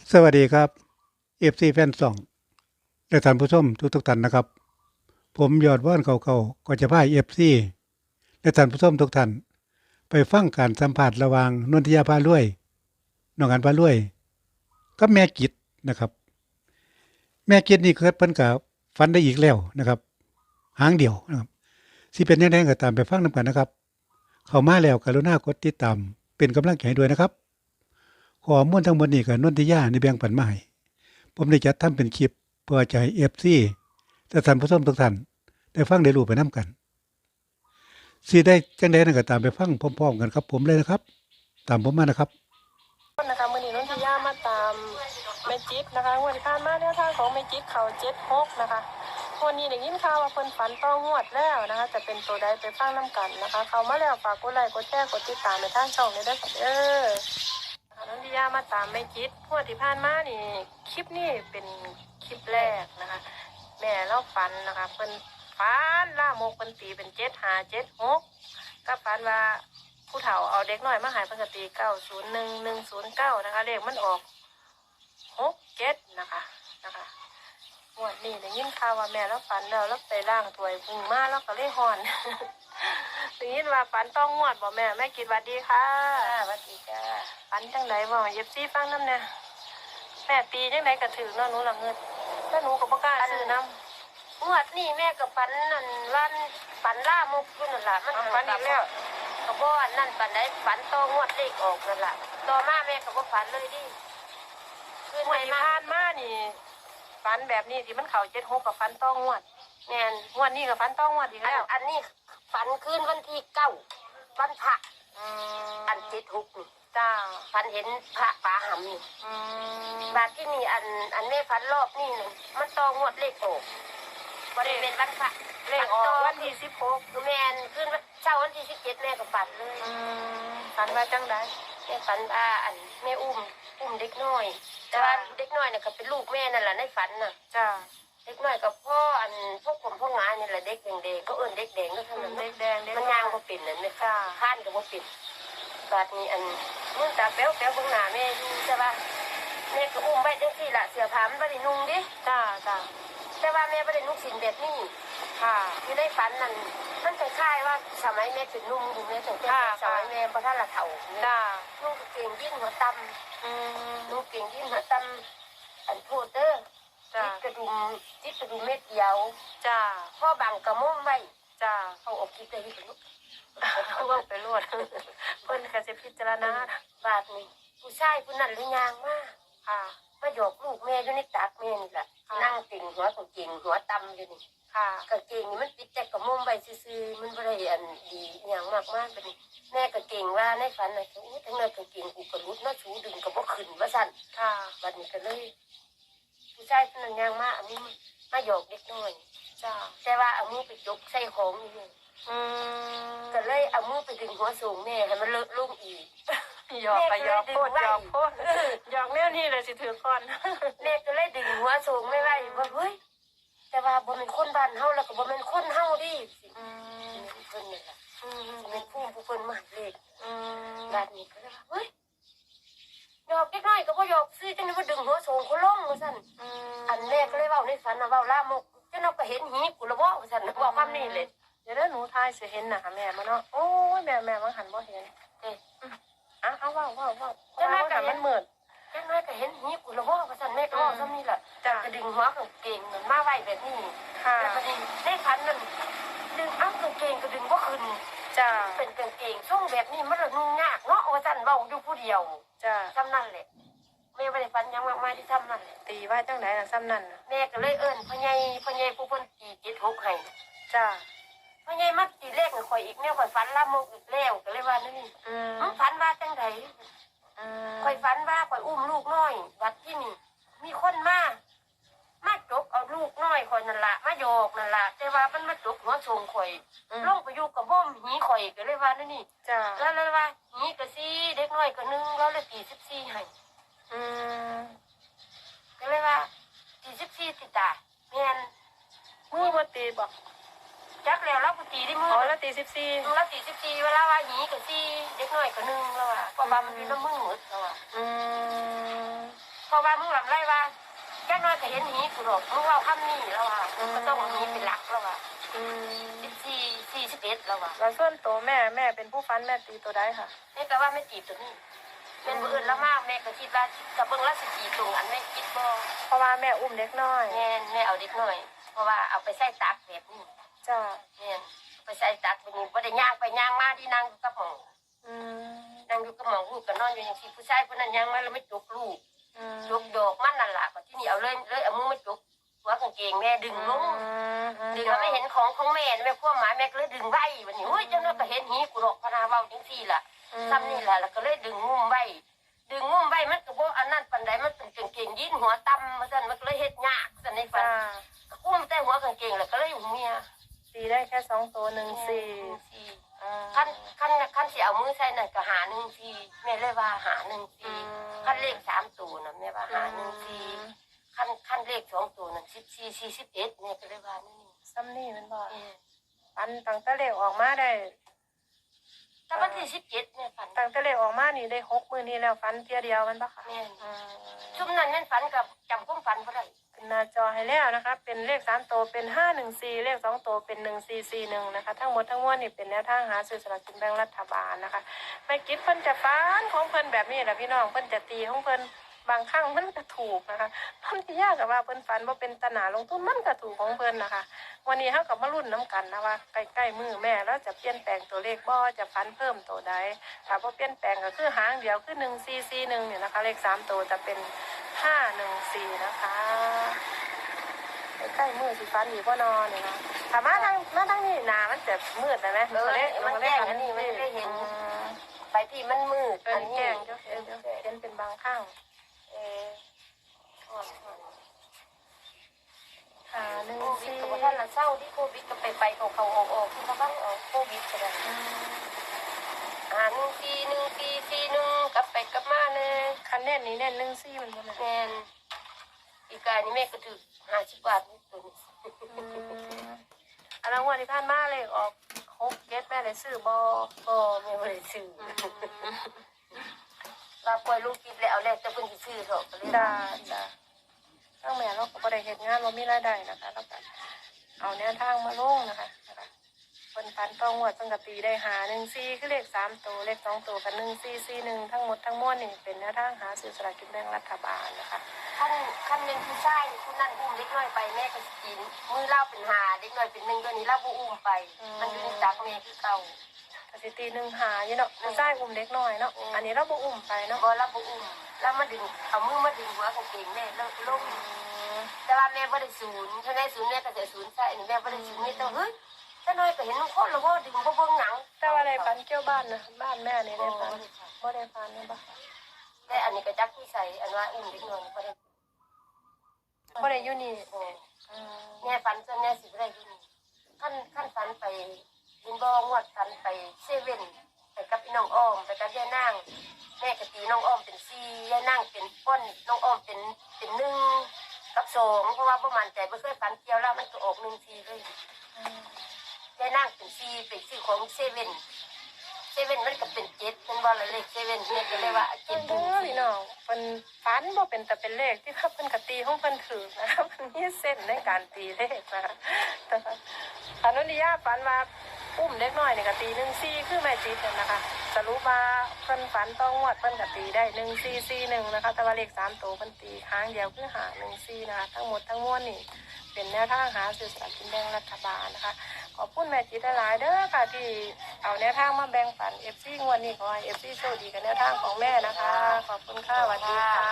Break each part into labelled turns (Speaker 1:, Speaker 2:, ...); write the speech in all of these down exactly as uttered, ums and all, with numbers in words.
Speaker 1: สวัสดีครับ เอฟ ซี แฟนสองและท่านผู้ชมทุกทุกท่านนะครับ ผมยอดว่านเก่าๆก็จะพา เอฟ ซี และท่านผู้ชมทุกท่านไปฟังการสัมภาษณ์ระหว่างนนทิยาพารวยน้องอันพารวยกับแม่กิจนะครับ แม่กิจนี่เกิดเพิ่นก็ฝันได้อีกแล้วนะครับ หางเดียวนะครับสิเป็นจังได๋ก็ตามไปฟังนำกันนะครับ เข้ามาแล้วกรุณากดติดตามเป็นกำลังใจให้ด้วยนะครับข้อมูลทั้งหมดนี้ก็นนทิยาได้แบ่งปันมาให้ ผมได้จัดทำเป็นคลิปเพื่อจะให้ เอฟ ซี และท่านผู้ชมทุกท่านได้ฟังได้รู้ไปนํกันสิได้จังได๋นั้นก็ตามไปฟังพร้อมๆกันครับผมเลยนะครับ ตามผมมานะครับ
Speaker 2: นะคะมื้อนี้นนทิยามาตามแม่จิ๊บนะคะงวดที่ผ่านมาแนวทางของแม่จิ๊บเขาเจ็ดหกนะคะวันนี้ได้ยินข่าวว่าเพิ่นฝันต้องงวดแล้วนะคะจะเป็นตัวใดไปฟังน้ำกันนะคะเขามาแล้วฝากกดไลค์กดแชร์กดติดตามในทางช่องเลยด้วยค่ะเด้อนนทิยามาตามแม่จิ๊บงวดที่ผ่านมานี่คลิปนี้เป็นคลิปแรกนะคะแม่เล่าฝันนะคะเพิ่นฝันล่ามกเพิ่นตีเป็นเจ็ดห้าเจ็ดหกก็ฝันว่าผู้เฒ่าเอาเด็กน้อยมาหายปกติเก้าศูนย์หนึ่งหนึ่งศูนย์เก้านะคะเลขมันออกหกเจ็ดนะคะนะคะงวดนี้ได้ยินข่าวว่าแม่แล้วฝันแล้วแล้วไปล่างถวยพึ่งมาแล้วก็เลยหอน ได้ยินว่าฝันต้องงวดบ่แม่แม่กินวัดดีค่ะสวัสดีจ้าฝันจังไดบ่เย็บซี่ฟังน้ำเนี่ยแม่ตีจังไดกระถือเนาะหนูละเงินแล้วหนูก็บ่กล้าซื้อน้ำงวดนี่แม่กับฝันนั่นวันฝันล่ามกอยู่นั่นแหละมันฝันอีกแล้ว ก็บ่อันนั่นปันได้ฝันต่องวดเลขออกนั่นล่ะต่อมาแม่ก็บ่ฝันเลยดิคืนไหนมาผ่านมานี่ฝันแบบนี้ที่มันเข้าเจ็ดหกกับฝันต่องวดแม่นงวดนี้กับฝันต่องวดอีกแล้วอันนี้ฝันคืนวันที่เก้าวันพระอันเจ็ดหกนี่จ้าฝันเห็นพระป่าหำนี่บาดที่นี่อันอันแม่ฝันรอบนี่มันต่องวดเลขออกบริเวณวันพระเลขออกวันที่สิบหกแม่นคืนเช้าวันที่สิบเจ็ดแม่ก็ฝันเลยฝันว่าจังไดแม่ฝันว่าอันแม่อุ้มอุ้มเด็กน้อยแต่ว่าเด็กน้อยเนี่ยก็เป็นลูกแม่นั่นแหละในฝันน่ะจ้าเด็กน้อยกับพ่ออันพวกผมพวกงานนี่แหละเด็กแดงๆก็เอิ้นเด็กแดงก็ทั้งนั้นเด็กแดงมันย่างก็ปิ่นนั่นเนี่ยข้านก็บ่ปิ่นบาดนี้อันมึงตาแป๊วแป๊วเบิ่งหน้าแม่อยู่ใช่ป่ะแม่ก็อุ้มไว้จังซี่ล่ะเสื้อผ้ามันบ่ได้นุ่งดิจ้าจ้าแต่ว่าแม่บ่ได้นุ่งสินแบบนี้ค่ะอยู่ในฝันนั่นมันคล้ายๆว่าสมัยแม่เป็นนุ่มอยู่แม่ตั้งแต่สมัยแม่บ่ทันละเฒ่าจ้านุ่งกางเกงยีนหัวต่ำอืมนุ่งกางเกงยีนหัวต่ำอันโพดเด้อจิตกระดุมจิตกระดุมเม็ดเดียวจ้าพ่อบังกระมุ้งไว้จ้าเอาออกคิดได้ที่ลูกเขาเอาไปรวดเพิ่นก็จะพิจารณาบาดนี้ผู้ชายผู้นั้นหรือยางมากค่ะมาหยอกลูกแม่อยู่ในตักแม่นี่แหละนั่งติ่งหัวกางเกงหัวต่ำอยู่นี่ค่ะกางเกงนี่มันปิดแต่กระมุ้งไว้ซื่อๆมันบ่ได้อันดีอย่างมากมากเป็นแม่กางเกงว่าในฝันน่ะอู้ทั้งนั้นกางเกงกูกระลุดเนาะชูดึงก็บ่ขึ้นว่าซั่นค่ะบัดนี้ก็เลยผู้ชายคนนั้นยางมาอันนี้มาหยอกเด็กน้อยจ้าแต่ว่าเอามือไปยกใส่ของนี่อืมก็เลยเอามือไปดึงหัวสูงแม่ให้มันเลอะลุ่มอีกหยอกไปหยอกโคตรหยอกโคตรหยอกแนวนี้เลยสิถือก่อนแม่ก็เลยดึงหัวสูงไม่ไหวว่าเฮ้ยแต่ว่าบ่เป็นคนบ้านเฮาแล้วก็บ่เป็นคนเฮาดิอืมเพิ่นนี่แหละอืมเป็นผู้ผู้เพิ่นมาเลขอืมบาดนี้ก็เลยว่าเฮ้ยหยอกเล็กน้อยก็บ่หยอกซื้อจังได๋บ่ดึงหัวสูงเขาลงว่าซั่นอืมอันแม่ก็เลยเว้าในฝันน่ะเว้าลามกจังเนาะก็เห็นหีกูละบ่ว่าซั่นบอกคำนี้เลยเดี๋ยวหนูทายสิเห็นน่ะแม่มาเนาะโอ้ยแม่แม่ว่าหันบ่เห็นเอ้อ่ะเอาเว้าเว้าเว้าจังได๋ก็มันมืดจังได๋ก็เห็นหีกูละบ่ว่าซั่นแม่ก็เว้าซ้ำนี่ล่ะจะกระดึงหัวกางเกงมันมาไว้แบบนี้ค่ะแล้วพอดีในฝันนั่นดึงเอ้ากางเกงก็ดึงบ่ขึ้นจ้าเป็นกางเกงช่วงแบบนี้มันละนุ่งยากเนาะว่าซั่นเว้าอยู่ผู้เดียวจ้าซ้ำนั่นแหละแม่บ่ได้ฝันหยังมากมายที่ซ้ำนั่นแหละตีว่าจังได๋น่ะซ้ำนั่นแม่ก็เลยเอิ้นพ่อใหญ่พ่อใหญ่ผู้เพิ่นตีเจ็ดหกให้จ้าพ่อใหญ่มาตีเลขให้ข่อยอีกแนวข่อยฝันลามกอีกแล้วก็เลยว่านี่อืมมึงฝันว่าจังได๋อืมข่อยฝันว่าข่อยอุ้มลูกน้อยวัดที่นี่มีคนมามาจกเอาลูกน้อยข่อยนั่นล่ะมาโยกนั่นล่ะแต่ว่ามันมาจกหัวทรงข่อยลงไปอยู่กับบ่มหีข่อยก็เลยว่านี่จ้าแล้วเลยว่าหีก็สี่เด็กน้อยก็หนึ่งแล้วเลยตีสิบสี่ให้อืมก็เลยว่าตีสิบสี่ติตาแม่นมือบ่ตีบ่จักแล้วเราตีที่มืออ๋อแล้วตีสิบสี่แล้วตีสิบสี่เวลาว่าหีก็สี่เด็กน้อยก็หนึ่งแล้วว่าเพราะว่ามันอยู่ในมือหมดแล้วว่าอืมพอ
Speaker 3: ราะว่ามึงลำไรว่าแค่น้อยก็เห็นหีกูหรอกมึงเราคำนี้แล้วอ่ะก็ต้องหีเป็นหลักแล้วอ่ะ
Speaker 2: อืม
Speaker 3: สิบสี่สี่สิบเอ็ดแล้วอ่ะ
Speaker 2: แล้วส่วนตัวแม่แม่เป็นผู้ฟันแม่ตีตัวใดค่ะ
Speaker 3: แม่ก็ว่าไม่ตีตัวนี้แม่บ่อื่นแล้วมากแม่ก็คิดว่ากับเบิ่งแล้วสิตีตรงอันแม่คิดบ่
Speaker 2: เพราะว่าแม่อุ้มเด็กน้อย
Speaker 3: แม่แม่เอาเด็กน้อยเพราะว่าเอาไปใส่ตักแบบนี้
Speaker 2: จ้า
Speaker 3: แม่ไปใส่ตักแบบนี้บ่ได้ย่างไปย่างมาที่นั่งอยู่กับหมอง
Speaker 2: อืม
Speaker 3: นั่งอยู่กับหมองลูกก็นอนอยู่อย่างที่ผู้ชายผู้นั้นย่างมาแล้วไม่จกลูก
Speaker 2: อืม
Speaker 3: จกดอกมันนั่นล่ะก็ที่นี่เอาเลยเลยเอามือมาจกหัวกางเกงแม่ดึงลง ดึงแล้วไม่เห็นของของแม่แม่พวกหมาแม่ก็เลยดึงไว้วันนี้โอ้ยเจ้าน้อยก็เห็นหีกูหรอกพนาเว้าจังซี่ล่ะซ้ำนี่แหละแล้วก็เลยดึงงุ้มไว้ดึงงุ้มไว้มันก็บ่อันนั้นปานใดมันเป็นกางเกงยีนหัวต่ำมาซั่นมันก็เลยเฮ็ดยากซั่นในฝัน
Speaker 2: จ้า
Speaker 3: อุ้มแต่หัวกางเกงแล้วก็เลยอยู่เมีย
Speaker 2: ตีได้แค่สองตัวหนึ่งสี่
Speaker 3: สี่
Speaker 2: อืม
Speaker 3: คันคันคันสิเอามือใส่นั่นก็หาหนึ่งสี่แม่เลยว่าหาหนึ่งสี่คันเลขสามตัวน่ะแม่ว่าหาหนึ่งสี่คันคันเลขสองตัวน่ะสิบสี่สี่สิบเอ็ดแม่ก็เลยว่านี่
Speaker 2: ซ้ำนี่มันบอก
Speaker 3: เออ
Speaker 2: ฟันตั้งแต่เลขออกมาได้
Speaker 3: แต่วันที่สิบเจ็ดแม่ฝัน
Speaker 2: ตั้งแต่เลขออกมานี่ได้หกมือนี้แล้วฟันเทียเดียวมันปะคะ
Speaker 3: แม่น
Speaker 2: อืม
Speaker 3: ชุมนั้นแม่นฝันกับจำความฝันบ่ได้
Speaker 2: ขึ้นหน้าจอให้แล้วนะคะ เป็นเลขสามตัวเป็นห้าหนึ่งสี่เลขสองตัวเป็นหนึ่งสี่สี่หนึ่งนะคะ ทั้งหมดทั้งมวลนี่เป็นแนวทางหาซื้อสลากกินแบ่งรัฐบาลนะคะไม่คิดเพิ่นจะฟันของเพิ่นแบบนี้แหละพี่น้องเพิ่นจะตีของเพิ่นบางครั้งมันก็ถูกนะคะเพิ่นที่ยากกับว่าเพิ่นฝันว่าเป็นตนาลงทุนมันก็ถูกของเพิ่นนะคะ วันนี้เฮากับมารุ่นน้ำกันนะว่าใกล้ๆมือแม่แล้วจะเปลี่ยนแปลงตัวเลขบ่จะฟันเพิ่มตัวใดถ้าบ่เปลี่ยนแปลงก็คือหางเดียวคือหนึ่งสี่สี่หนึ่งเนี่ยนะคะ เลขสามตัวจะเป็นห้าหนึ่งสี่นะคะใกล้ๆมือสิฟันอีกบ่นอนเนี่ยนะถ้ามาทางมาทางนี้หนามันจะมืดไปไหม
Speaker 3: เออมันแจ้งอันนี้มันได้เห็น
Speaker 2: อืม
Speaker 3: ไปที่มันมืด
Speaker 2: เป็น
Speaker 3: อันนี้
Speaker 2: แจ้งเจ้าเห็นเจ้าเห็นเป็นบางข้าง
Speaker 3: เอออ่อนอ่อน
Speaker 2: หาหนึ่ง
Speaker 3: โควิด
Speaker 2: สี่
Speaker 3: ก็บ่ทันละเศร้าที่โควิดก็ไปไปเขาเขาออกออกที่เขาบ้างออกโควิดก็ได้
Speaker 2: อืม
Speaker 3: อ่าหนึ่งปีหนึ่งปีสี่หนึ่งกลับไปกลับมาเลย
Speaker 2: คันแน่นนี้แน่นหนึ่งสี่มันบ่แม่น
Speaker 3: แม่นอีกายนี่แม่ก็ถือห้าสิบบาทนี่ตัวนี้
Speaker 2: อืมอันนั้นวันที่ผ่านมาเลยออกหกเก็ตแม่เลยซื้อบ่
Speaker 3: ก็แม่บ่ได้ซื้อว่าปล่อยลูกกินแล้วเอาแล้วแต่เพิ่นสิซื้อเถอะก็เลย
Speaker 2: จ้าจ้าทั้งแม่เราก็บ่ได้เฮ็ดงานบ่มีรายได้นะคะแล้วก็เอาแนวทางมาลงนะคะนะคะเพิ่นพันต้องวดเพิ่นก็ตีได้หาหนึ่งสี่คือเลขสามตัวเลขสองตัวกับหนึ่งสี่สี่หนึ่งทั้งหมดทั้งมวลนี่เป็นแนวทางหาซื้อสลากกินแบ่งรัฐบาลนะคะ
Speaker 3: คันคันเป็นผู้ชายนี่ผู้นั้นอุ้มเล็กน้อยไปแม่ก็สิกินมือเล่าเป็นหาเล็กน้อยเป็นหนึ่งตัวนี้เล่าบ่อุ้มไป มันอยู่ในตักแม่คือเก่า
Speaker 2: ก็สิตีหนึ่งหาอยู่เนาะผู้ชายอุ้มเด็กน้อยเนาะอันนี้เราบ่อุ้มไปเนาะ
Speaker 3: บ่รับบ่อุ้มแล้วมาดึงเอามือมาดึงหัวกางเกงแม่แล้วลงแต่ว่าแม่บ่ได้ศูนย์ถ้าแม่ศูนย์แม่ก็จะศูนย์ใส่นี่แม่บ่ได้ศูนย์นี่ต้องเฮ้ยแต่น้อยก็เห็นคนแล้วบ่ดึงบ่เบิ่งหนัง
Speaker 2: แต่ว่าอะไรปันเกี่ยวบ้านนะบ้านแม่นี่ได้ปันบ่ได้ปันนะบ่
Speaker 3: แต่อันนี้ก็จักที่ใส่อันว่าอุ้มเด็กน้อยบ่ได้
Speaker 2: บ่ได้อยู่นี่
Speaker 3: อืมแม่ฝันจนแม่สิบ่ได้อยู่นี่คันคันฝันไปยินบ่งวดฝันไปเซเว่นไปกับพี่น้องอ้อมไปกับยายนางแม่ก็ตีน้องอ้อมเป็นสี่ยายนางเป็นป้นน้องอ้อมเป็นเป็นหนึ่งกับสองเพราะว่าบ่มั่นใจบ่เคยฝันเกี่ยวแล้วมันก็ออกหนึ่งสี่เลยยายนางเป็นสี่เป็นสี่ของเซเว่นเซเว่นมันก็เป็นเจ็ดมันบ่ละเลขเซเว่นแม่ก็เลยว่าเจ็ดห
Speaker 2: เด้
Speaker 3: นึ่ง
Speaker 2: อ
Speaker 3: สี่
Speaker 2: พี่น้องเพิ่นฝันบ่เป็นแต่เป็นเลขที่ว่าเพิ่นก็ตีของเพิ่นถูกนะคะเพิ่นมีเส้นในการตีเลขนะคะแต่ว่าอนุนิยาฝันว่าอุ้มเด็กน้อยนี่ก็ตีหนึ่งสี่คือแม่จิตนั่นนะคะสรุปว่าเพิ่นฝันต้องงวดเพิ่นก็ตีได้หนึ่งสี่สี่หนึ่งนะคะแต่ว่าเลขสามตัวเพิ่นตีครั้งเดียวคือหาหนึ่งสี่นะคะทั้งหมดทั้งมวลนี่เป็นแนวทางหาซื้อสลากกินแบ่งรัฐบาลนะคะขอบคุณแม่จิตหลายๆเด้อค่ะที่เอาแนวทางมาแบ่งปัน เอฟ ซี งวดนี้ขอให้ เอฟ ซี โชคดีกับแนวทางของแม่นะคะขอบคุณค่ะสวัสดีค่ะ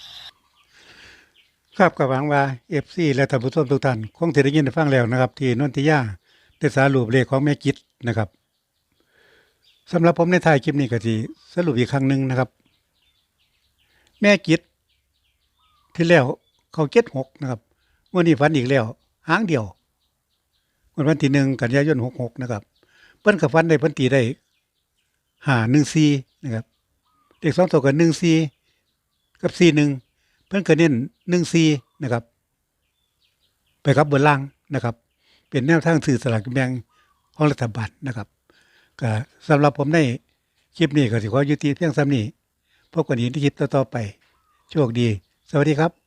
Speaker 1: ครับก็หวังว่า เอฟ ซี และท่านผู้ชมทุกท่านคงสิได้ยินได้ฟังแล้วนะครับ ที่นนทิยาได้สรุปเลขของแม่จิตนะครับสำหรับผมในท้ายคลิปนี้ก็สิสรุปอีกครั้งหนึงนะครับ แม่จิตที่แล้วเขาเจ็ดหกนะครับวันนี้ฝันอีกแล้วหางเดียววันวันที่หนึ่งกันยายนหกหกนะครับเพิ่นกับฝันได้เพิ่นตีได้ห้าหนึ่งสี่นะครับเลขสองตัวกับหนึ่งสี่กับสี่หนึ่งเพิ่นก็เน้นหนึ่งสี่นะครับ ไปครับเบนล่างนะครับ เป็นแนวทางสื่อสลากกินแบ่งของรัฐบาลนะครับก็สำหรับผมในคลิปนี้ก็สิขอยุติเพียงซ้ำนี้พบกันอีกในคลิปต่อๆไปโชคดีสวัสดีครับ